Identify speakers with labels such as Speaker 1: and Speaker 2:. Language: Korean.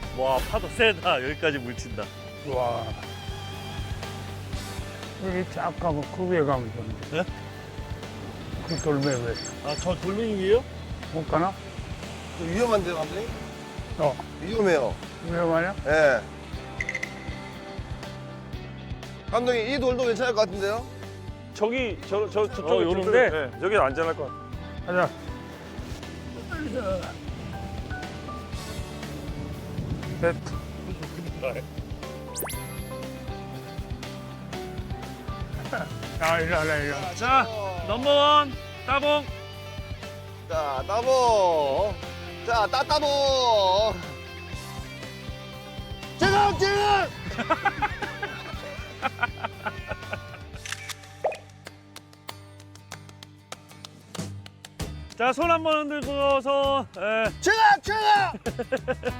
Speaker 1: 와, 파도 세다. 여기까지 물친다.
Speaker 2: 와. 여기 쫙 가고 그 위에 가면 되는데.
Speaker 1: 네?
Speaker 2: 그 돌멩이 왜?
Speaker 1: 아, 저 돌멩이 위에요?
Speaker 2: 못 가나?
Speaker 3: 위험한데요, 감독님?
Speaker 2: 어,
Speaker 3: 위험해요.
Speaker 2: 위험하냐?
Speaker 3: 예. 감독님, 이 돌도 괜찮을 것 같은데요?
Speaker 4: 저쪽에
Speaker 1: 요런데?
Speaker 4: 네, 여기 안전할 것 같아.
Speaker 2: 가자. 됐다. 야, 이리 와라, 이리 와.
Speaker 1: 자, 넘버원 따봉.
Speaker 3: 자, 따봉. 자, 따따봉. 지금!
Speaker 1: 자, 손 한번 흔들고서
Speaker 3: 지금!